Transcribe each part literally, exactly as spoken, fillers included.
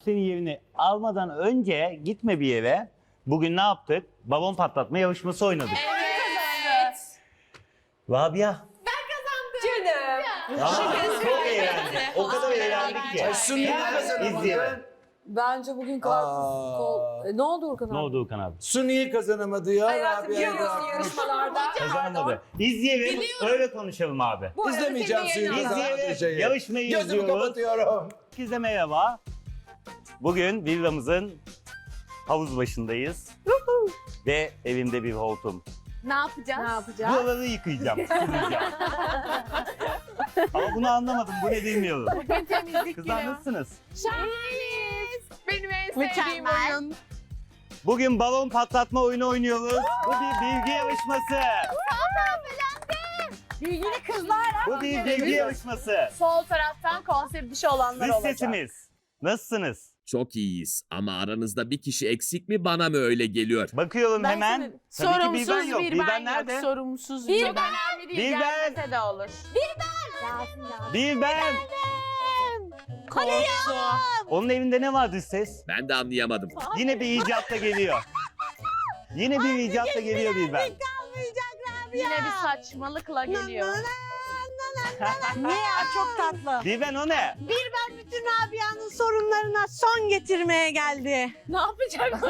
senin yerini almadan önce gitme bir yere. Bugün ne yaptık? Balon patlatma yarışması oynadık. Evet. Rabia. Canım. Aa, çok eğlendik. O kadar eğlendik ki. Suni kazanamadı. İzleyelim. Bence bugün karpuz kol... E, ne oldu Urkan abi? Ne oldu Okan abi? Suni kazanamadı ya. Hayatım Rabia'yı görüyorsun bırakmış. yarışmalarda. Kazanamadı. İzleyelim, öyle konuşalım abi. Bu arada İzlemeyeceğim senin Suyu yayınında- kazanamadığı İzleyelim, şeyi. yarışmayı Gözümü izliyoruz. kapatıyorum. Herkese merhaba. Bugün villamızın havuz başındayız. Ve evimde bir hortum. Ne yapacağız? Ne yapacağız? Buraları yıkayacağım, sileceğim. Ama bunu anlamadım, bu ne bilmiyorum. Bugün temizlik Kızlar günü. nasılsınız? Şahaniz. Benim en sevdiğim Mükemmel. oyun. Bugün balon patlatma oyunu oynuyoruz. Bu bir bilgi yarışması. Bilgili kızlar. Bu bir bilgi yarışması. Sol taraftan konser dışı olanlar Dış olacak. sesimiz. Nasılsınız? Çok iyiyiz ama aranızda bir kişi eksik mi bana mı öyle geliyor? Bakıyorum Ben hemen. senin- Tabii ki Sorumsuz Bilben yok. bir Bilben ben nerede? yok. Sorumsuz Bir bir ben. ben. Önemli değil. Bir ben. Gelmese de olur. Bilben. Korktu. Onun evinde ne var dış ses? Ben de anlayamadım. Yine bir icatla geliyor. Yine bir icatla geliyor Bilben. Yine bir saçmalıkla geliyor. Ne ya çok tatlı. Bilben o ne? Bütün Rabia'nın sorunlarına son getirmeye geldi. Ne yapacak?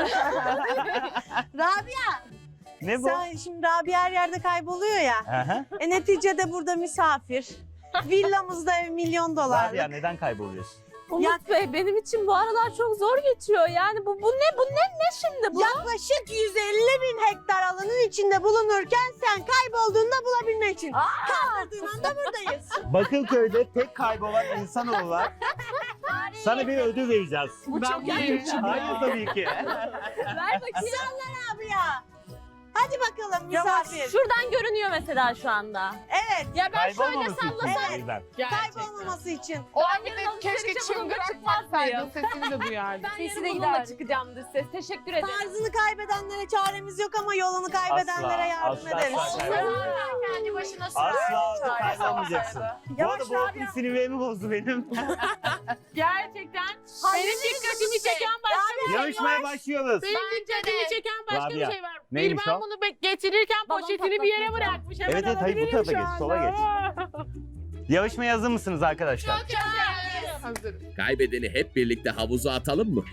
Rabia Ne bu? sen şimdi Rabia her yerde kayboluyor ya. Aha. E neticede burada misafir. Villamızda ev milyon dolarlık. Rabia neden kayboluyorsun? Umut Bey benim için bu aralar çok zor geçiyor. Yani bu bu ne bu ne ne şimdi bu? Yaklaşık yüz elli bin hektar alanın içinde bulunurken sen kaybolduğunda bulabilmek için. Kaldırdığın anda buradayız. Bakırköy'de tek kaybolan insanoğlu var. Sana bir ödül vereceğiz. Bu çok ilginç. Hayır tabii ki. Ver bakayım. Rabia. Hadi bakalım Yavaş. misafir. Şuradan görünüyor mesela şu anda. Evet. Ya ben şöyle Kaybolmaması için sallasam. Bilben. Kaybolmaması için. O vakit keşke çıngırak çıkmasaydı. Sesini de duyardım. Ben Sesi yarın de bununla giderdi. çıkacağım dış ses. Teşekkür ederim. Tarzını kaybedenlere çaremiz yok ama yolunu kaybedenlere yardım asla, ederiz. asla. Kendi başına Asla kaybolmayacaksın. Bu Yavaş arada bu hortum sinirlerimi bozdu benim. Gerçekten benim dikkatimi çeken başka bir şey var. Yarışmaya başlıyoruz. Benim dikkatimi çeken başka Rabia, bir şey var. neymiş ben o? bunu be- getirirken Balon poşetini bir yere patlatmayacağım. bırakmış. Hemen Evet evet hayır bu alabilirim tarafa şu geç, sola anda. geç. Yarışmaya hazır mısınız arkadaşlar? Hazırım. Kaybedeni hep birlikte havuza atalım mı?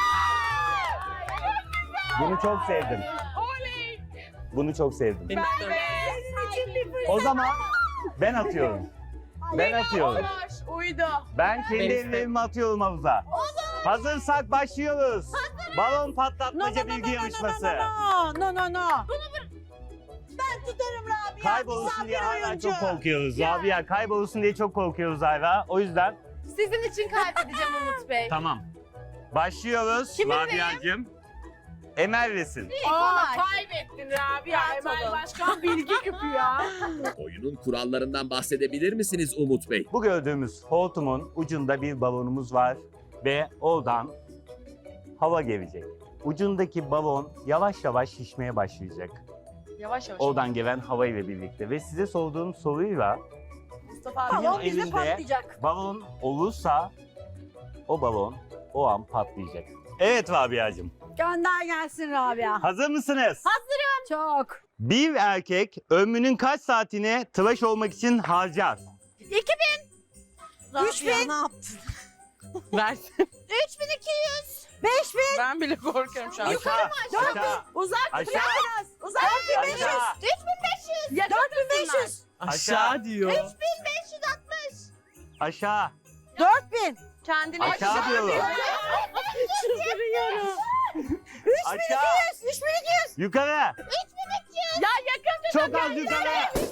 Bunu çok sevdim. Bunu çok sevdim. O zaman ben atıyorum. Ben atıyorum. Olur, uydu. Ben kendi ellerimi atıyorum havuza. Hazırsak başlıyoruz. Balon patlatmaca bilgi yarışması. No no no no. Ben tutarım Rabia. Kaybolursun diye Misafir hala oyuncu. çok korkuyoruz. Rabia kaybolursun diye çok korkuyoruz hala. O yüzden Sizin için kaybedeceğim Umut Bey. tamam. Başlıyoruz Kimi Rabia'cığım. Emel resim. Aa, kaybettin Rabia. Rahat Emel olun. Başkan bilgi küpü ya. Oyunun kurallarından bahsedebilir misiniz Umut Bey? Bu gördüğümüz hortumun ucunda bir balonumuz var ve oradan hava gelecek. Ucundaki balon yavaş yavaş şişmeye başlayacak. Yavaş yavaş. Oradan gelen hava ile birlikte ve size sorduğum soruyla Mustafa abi. kimin Balon bize elinde patlayacak. balon olursa o balon o an patlayacak. Evet Rabia'cığım. Gönder gelsin Rabia. Hazır mısınız? Çok. Bir erkek ömrünün kaç saatini tıraş olmak için harcar? Üç bin. Ne yaptın? Ver. Üç bin iki yüz. Beş bin. Ben bile korkuyorum şu an. Aşağı, aşağı, Uzak aşağı, biraz. Uzak. Dört bin beş yüz. aşağı, Üç bin beş yüz. Dört bin beş yüz. aşağı diyor. Üç bin beş yüz altmış. Aşağı, Dört bin. Kendini aşağı diyorum. Çıldırıyorum. Aşağı, Üç bin iki yüz. yukarı. Ya yakın Çok az yukarı.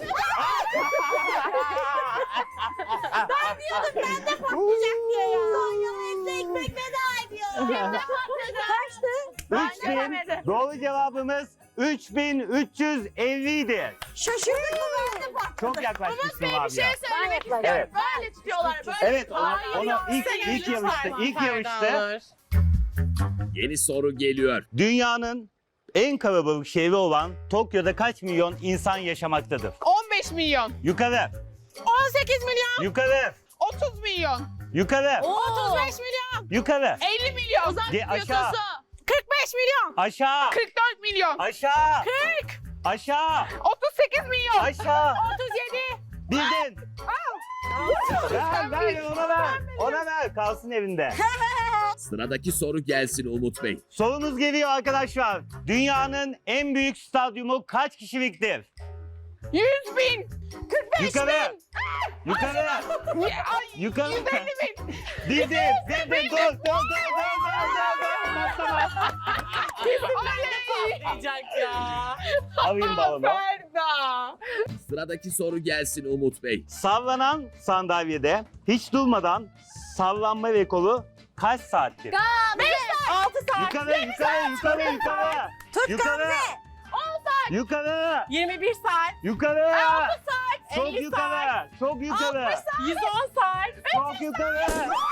Patlayacak diye ya. Konyalı etli ekmek veda ediyor. Kaçtı? üç bin. Doğru cevabımız üç bin üç yüz elli idi. Şaşırdık mı böyle? Çok yaklaşmışsın abi Bir şey ya. söylemek istiyorum. Evet. Böyle tutuyorlar. Böyle. Evet, onu, Hayır, onu yok. ilk, Sen ilk yarışma yarışta, var. ilk Pardon. yarışta Yeni soru geliyor. dünyanın en kalabalık şehri olan Tokyo'da kaç milyon insan yaşamaktadır? on beş milyon. Yukarı, on sekiz milyon. yukarı, otuz milyon. yukarı, otuz beş milyon. Yukarı. elli milyon. Ge- aşağı. kırk beş milyon. Aşağı. kırk dört milyon. Aşağı. kırk. Aşağı. otuz sekiz milyon. Aşağı. otuz yedi. Bildin. Ver ver ona ver. Ona ver. Kalsın evinde. Sıradaki soru gelsin Umut Bey. Sorunuz geliyor arkadaşlar. Dünyanın en büyük stadyumu kaç kişiliktir? yüz bin. kırk beş Yukarı. bin. Yukarı. Ay, Yukarı. yüz elli bin. Bildin. Bildin. Dur. Dur. Dur. Dur. Dur. Dur. Patlama. Patlayacak ya. Alayım balonu. Ferda. Sıradaki soru gelsin Umut Bey. Sallanan sandalyede hiç durmadan sallanma rekoru kaç saattir? altı saat. Yukarı, yukarı, yukarı, yukarı. Tut Yukarı. Gamze. Yukarı. yirmi bir saat. Yukarı. saat. Çok elli yukarı. Çok yukarı. yüz on saat. Çok yukarı.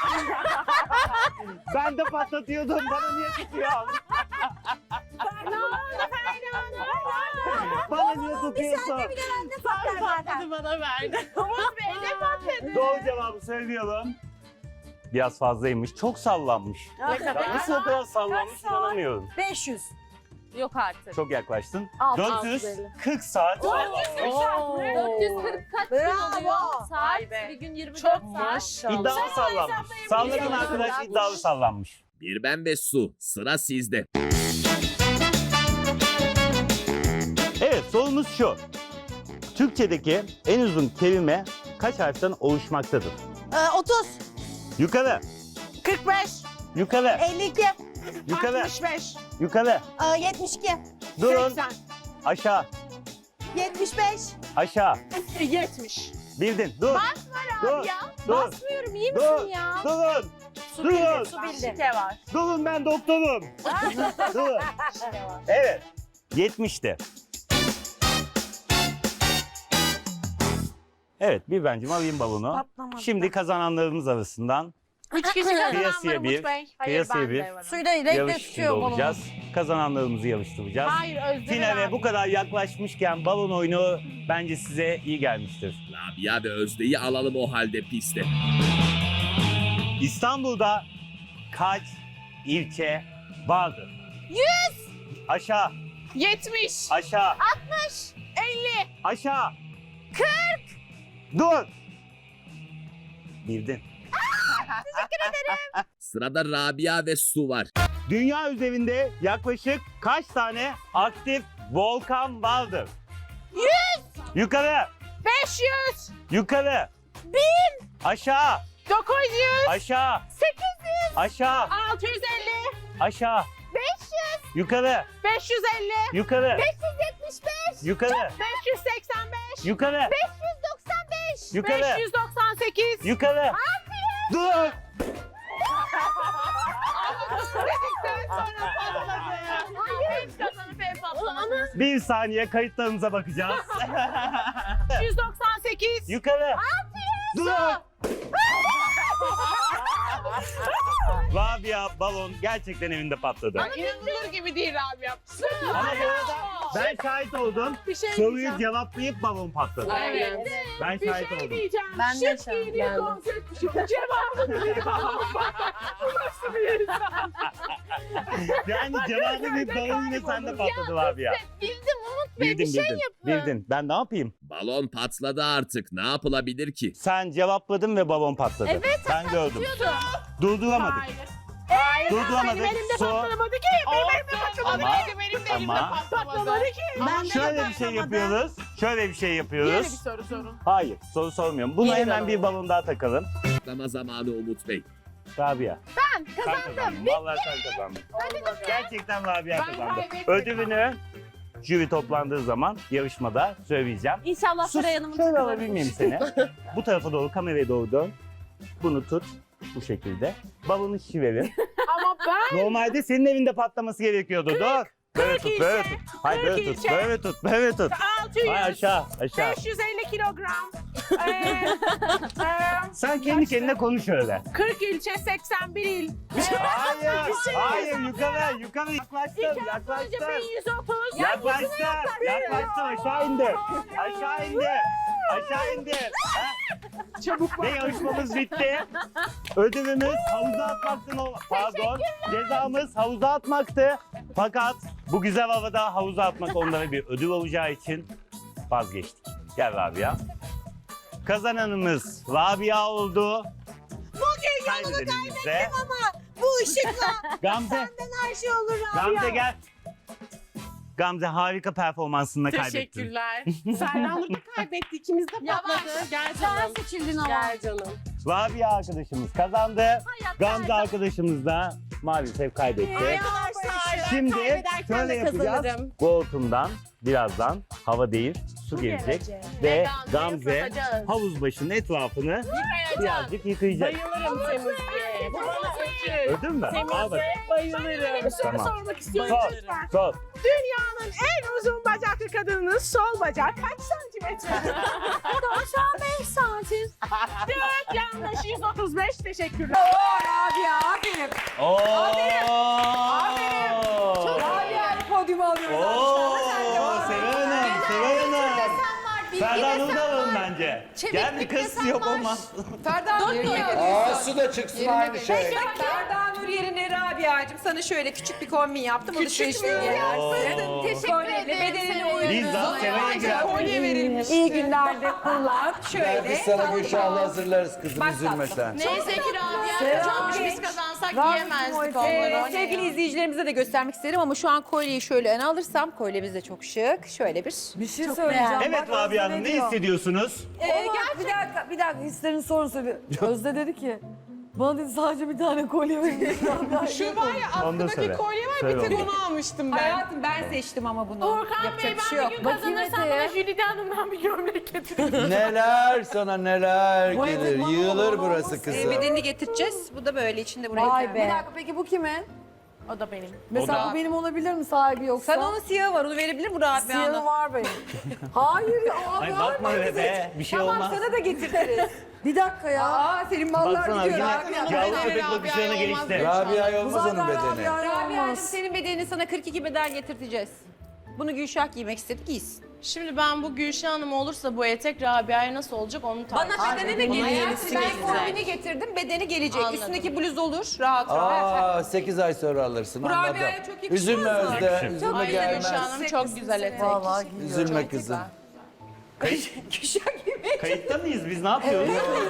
Ben de patlatıyordum. Bana niye tutuyorsun? Bana niye tutuyorsun? Patlar zaten. Hadi bana verdi. Umut Bey ne patladı? Doğru cevabı söylüyorum. Biraz fazlaymış. Çok sallanmış. Ne kadar? Ya nasıl o kadar sallanmış inanamıyorum. beş yüz. Yok artık. Çok yaklaştın. Alt, dört yüz kırk saat. Oo. dört yüz kırk kaç gün Bravo. oluyor? Saat Vay be. bir gün yirmi dört Çok saat. maşallah. İddialı sallanmış. Sallanan arkadaş iddialı sallanmış. Bir ben ve Su. Sıra sizde. Evet, sorumuz şu. Türkçedeki en uzun kelime kaç harften oluşmaktadır? Ee, otuz. Yukarı, kırk beş. yukarı, elli iki. yukarı, altmış beş. yukarı. Ee, yetmiş iki. Durun. seksen. Aşağı, yetmiş beş. aşağı. yetmiş. Bildin. Dur. Dur. Ya Dur. basmıyorum iyi Dur. misin ya? Durun. Su Durun. bildi, su bildi. Şike var. Durun, ben doktorum. Durun. Evet. yetmişti. Evet, bir bencim alayım balonu. Patlamadı. Şimdi kazananlarımız arasından Üç kişi kazananlar Kıyasıya bir, Umut Bey. kıyasaya ben bir. de varım. Suyu da renkle yarış içinde tutuyor balonu. olacağız. Kazananlarımızı yarıştıracağız. Hayır Özlem Finale abi. bu kadar yaklaşmışken balon oyunu bence size iyi gelmiştir. Rabia ve Özde'yi alalım o halde piste. İstanbul'da kaç ilçe vardır? Yüz. Aşağı, yetmiş. aşağı, altmış. elli. aşağı. Kırk. Dur. Bildin. Sırada Rabia ve Su var. Dünya üzerinde yaklaşık kaç tane aktif volkan vardır? Yüz. Yukarı, beş yüz. yukarı. Bin. Aşağı, dokuz yüz. aşağı, sekiz yüz. aşağı, altı yüz elli. aşağı. beş yüz. Yukarı, beş yüz elli. yukarı, beş yüz yetmiş beş. yukarı, beş yüz seksen beş. yukarı, beş yüz doksan beş. Yukarı. beş yüz doksan sekiz. yukarı. Dur. Dedikten sonra patladı. Hayır. Hiç kazanıp hep patlamadı. Bir saniye kayıtlarımıza bakacağız. beş yüz doksan sekiz. Yukarı. Dur. Rabia balon gerçekten evinde patladı. Ay, İnanılır gibi değil abi ya. Ama bu arada ben şahit oldum. Bir şey Soruyu diyeceğim. cevaplayıp balon patladı. Evet. Ben Bir şahit şey oldum. diyeceğim. Ben de Şık şahit giyiniyor, geldim. konsept şu. Cevabını biliyor. Bu nasıl bir insan? Yani cevabı bir balon yine sende patladı Rabia. Bildim Umut Bey, Bildin bir şey bildin. yapın. Bildin. Ben ne yapayım? Balon patladı artık. Ne yapılabilir ki? Sen cevapladın ve balon patladı. Evet. Ben gördüm. Durduramadık. Hayır. Hayır. Durduramadık. Benim elimde Su. patlamadı ki. Benim elimde patlamadı Ama- ki. Benim de elimde ama- patlamadı ki. Ben de Şöyle bir şey yapıyoruz. Şöyle bir şey Yeni bir yapıyoruz. soru sorun. Hayır, soru sormuyorum. Buna Yeni hemen balon. bir balon daha takalım. Patlama zamanı Umut Bey. Rabia. Ben Sen kazandım. kazandın. Vallahi sen kazandın. Gerçekten Rabia Ben kazandı. kaybettim. Ödülünü jüri toplandığı zaman yarışmada söyleyeceğim. İnşallah Sus, Saray Hanım'ın şöyle tıkıları. alabilir miyim seni? Bu tarafa doğru, kameraya doğru dön. Bunu tut bu şekilde. Balonu şişirelim. Ama ben Normalde senin evinde patlaması gerekiyordu. Dur. Böyle tut, böyle tut. Hayır kırk böyle tut, ilçe. böyle tut, böyle tut. altı yüz. Hayır aşağı, aşağı. beş yüz elli kilogram. Ee, e, Sen kendi kendine konuş öyle. kırk ilçe, seksen bir il. Hayır, hayır yukarı, yukarı yaklaştın, Önce yaklaştın. bin yüz otuz. Yaklaştın, yaklaştın aşağı indi. Aşağı indi. Aşağı indir. Ha? Çabuk Ve yarışmamız bitti. Ödülümüz havuza atmaktı. no- Pardon. Cezamız havuza atmaktı. Fakat bu güzel havada havuza atmak onlara bir ödül olacağı için vazgeçtik. Gel Rabia. Kazananımız Rabia oldu. Bugün yolunu Kaybedenimiz de kaybettim ama bu ışıkla Gamze. senden her şey olur abi. Gamze gel. Gamze harika performansınla kaybettin. Teşekkürler. Serdan Nur da kaybetti. İkimiz de patladı. Gel Sen canım. seçildin ama. Gel canım. Rabia arkadaşımız kazandı. Gamze arkadaşımız da maalesef kaybetti. Arkadaşlar Şimdi kaybederken şöyle de yapacağız. kazanırım. Koltuğumdan birazdan hava değil su gelecek. Ve Ve Gamze'yi Gamze ıslatacağız. havuz başının etrafını Yıkayacağım. birazcık yıkayacak. Bayılırım temizliğe. Bu bana öcü. Öldün mü? Al bak. Temizliğe bayılırım. Tamam. sormak istiyorum. Sor, sor. Dünyanın en uzun bacaklı kadının sol bacak kaç santimetre? Aşağı beş santim. Dört yanlış yüz otuz beş. Teşekkürler. Rabia aferin. Oo! Rabia'yı podyuma alıyoruz Oo! alkışlarla. Sen de Sever Hanım, Sever Hanım. Bilgi Ferdan desen Nur da alalım var. bence. Çeviklik Gel bir kız desen yok var. olmaz. Ferdan Nur yerine Aa su da çıksın aynı şey. Ferdan Nur yerine Rabia'cığım sana şöyle küçük bir kombin yaptım. Küçük mü Oo. Teşekkür ederim. Bedenini Senin uygun. Liza, Sever'e gel. Kolye verilmiş. İyi günlerde kullan. Şöyle. Biz sana tatlı Gülşah'la ol. hazırlarız kızım Bak üzülme tatlım. sen. Neyse ki Rabia Selam. kazanmış. Biz kazansak Rabia'cığım, yiyemezdik ee, onları. sevgili izleyicilerimize de göstermek isterim ama şu an kolyeyi şöyle öne alırsam kolyemiz de çok şık. Şöyle bir. Bir şey söyleyeceğim. Evet Bak, Rabia Özde Hanım ne diyor? hissediyorsunuz? Ee, bir dakika, bir dakika hislerini sorun söyle. Özde dedi ki, bana dedi sadece bir tane kolye verin. Şu var ya Onu da söyle. aklımdaki kolye var Söyle bir tek onu. onu almıştım ben. Hayatım ben seçtim ama bunu. Orkan Yapacak Bey bir şey ben yok. bir gün Bakayım kazanırsam Ete'ye. bana Jülide Hanım'dan bir gömlek getirin. Neler sana neler Vay gelir. be, Yığılır bana burası olmaz. Ee, kızım. bedenini getireceğiz. Bu da böyle içinde buraya. Vay koyalım. be. Bir dakika peki bu kimin? O da benim. Mesela da- bu benim olabilir mi sahibi yoksa? Sen onun siyahı var onu verebilir mi Rabia'nın? Siyahı var benim. Hayır ya abi. Ay bakma be be bir şey Tamam olmaz. sana da getiririz. Bir dakika ya. Aa senin mallar Baksana gidiyor yine Rabia. yavru Rabia'ya köpek bakışlarına olmaz geçti. diyor. Rabia Bu olmaz zaten onun bedeni. Rabia'ya Rabia'cığım olmaz. senin bedenini sana kırk iki beden getirteceğiz. Bunu Gülşah giymek istedi giysin. Şimdi ben bu Gülşah Hanım olursa bu etek Rabia'ya nasıl olacak onu tartışalım. Bana bedeni de Bunun gelecek. yenisi Ben gelecek. kombini getirdim bedeni gelecek. Anladım. Üstündeki bluz olur rahat rahat. Aa sekiz ay sonra alırsın Bu anladım. Rabia'ya çok yakışmaz Üzülme mı? Özde, Yakışır. üzülme Aynen gelmez. Gülşah Hanım çok güzel etek. Vallahi giyiyorum. Üzülme kızım. Gülşah giymek. Kayıtta mıyız biz ne yapıyoruz?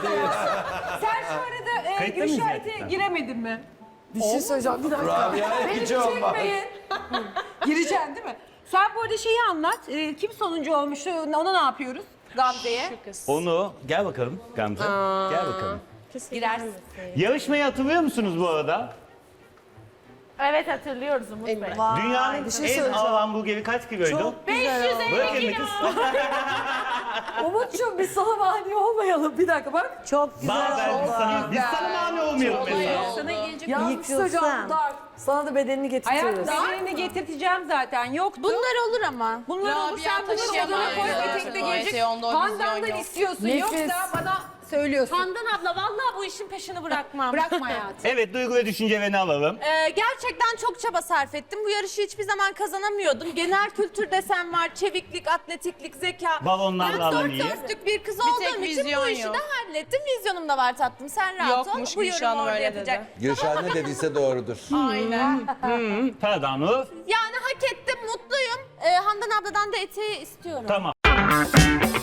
Sen şu arada e, Kayıtta mıyız Gülşah'a gerçekten? giremedin mi? Bir şey söyleyeceğim bir dakika. Rabia'ya hiç olmaz. Çekmeyin. Gireceksin değil mi? Sen bu arada şeyi anlat. E, kim sonuncu olmuştu? Ona ne yapıyoruz? Gamze'ye. Şu kız. Onu gel bakalım Gamze. Gel bakalım. Girersin. Yarışmayı hatırlıyor musunuz bu arada? Evet hatırlıyoruz Umut Bey. Vay, Dünyanın bir şey en söyleyeceğim. ağır hamburgeri kaç kiloydu? Çok güzel oldu. Bırak elini kız. Umut'cum biz sana mani olmayalım. Bir dakika bak. Çok güzel Bak ben biz oldu. sana, biz sana mani olmayalım mesela. Sana gelecek. Yalnız bir şey söyleyeceğim Yıkılsın. Dar. Sana da bedenini Hayatım getirtiriz. bedenini getirteceğim zaten. Yoktu. Bunlar olur ama. Bunlar olur Rabia sen bunları odana koy taşıyamayız. etekte O gelecek. eteği onda o vizyon Handan'dan yok. istiyorsun Nefis. yoksa bana söylüyorsun. Handan abla vallahi bu işin peşini bırakmam. Bırakma hayatım. Evet duygu ve düşüncelerini alalım. Ee, gerçekten çok çaba sarf ettim. Bu yarışı hiçbir zaman kazanamıyordum. Genel kültür desem var, çeviklik, atletiklik, zeka. Balonlarla Ben alan dört iyi. dörtlük bir kız tek olduğum için vizyon bu işi yok. de hallettim. Vizyonum da var tatlım. Sen rahat Yokmuş, ol. Bu Gülşah yorumu Hanım orada öyle yapacak. dedi. Gülşah ne dediyse doğrudur. Aynen. Ferdan Nur. Yani hak ettim, mutluyum. Ee, Handan abladan da eteği istiyorum. Tamam.